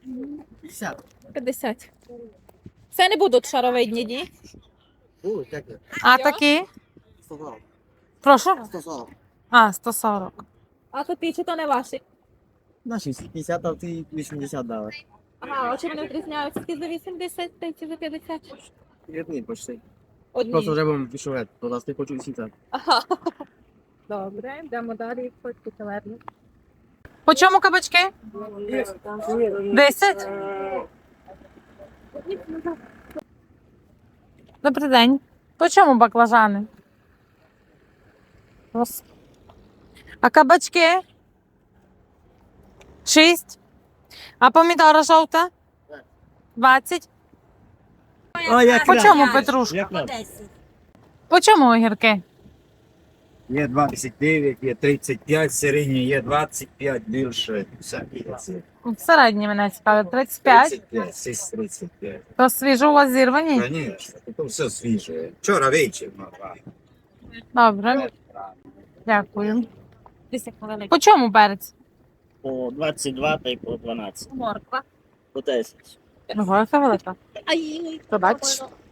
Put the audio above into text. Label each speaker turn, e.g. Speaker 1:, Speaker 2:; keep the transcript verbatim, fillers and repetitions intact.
Speaker 1: п'ятдесят.
Speaker 2: п'ятдесят. Це не будуть шаровидні, ні?
Speaker 1: Будуть, як є.
Speaker 3: А такі?
Speaker 1: сто сорок.
Speaker 3: Прошу?
Speaker 1: сто сорок.
Speaker 3: А, сто сорок.
Speaker 2: А то ті, чи то не ваші?
Speaker 1: Наші п'ятдесят, а ти вісімдесят дали.
Speaker 2: Ага, а чи вони відрізняються? Ті за вісімдесят, та ті за п'ятдесят?
Speaker 1: Рідний почти.
Speaker 2: Одні.
Speaker 1: Просто вже будемо пішов, то нас не хочу вісімдесят.
Speaker 2: Ага. Добре, йдемо далі, фотки каверні.
Speaker 3: По чому кабачки? Десять? Добрий день. По чому баклажани? Ось. А кабачки? Шість. А помідора жовта? Двадцять.
Speaker 1: О, як
Speaker 3: По чому петрушка? По чому огірки?
Speaker 4: Є двадцять дев'ять, є тридцять п'ять, середній є двадцять п'ять, більше всякі.
Speaker 3: Середні мене цікавить. тридцять п'ять.
Speaker 4: тридцять п'ять, сість тридцять п'ять.
Speaker 3: То свіжо у вас зірвані?
Speaker 4: Звісно, це все свіже. Вчора вечір.
Speaker 3: Добре. Дякую. По чому перець?
Speaker 5: По двадцять два та й по дванадцять.
Speaker 2: Морква.
Speaker 5: По десять.
Speaker 3: Ого, яка велика.
Speaker 2: Ай,
Speaker 3: Побачиш?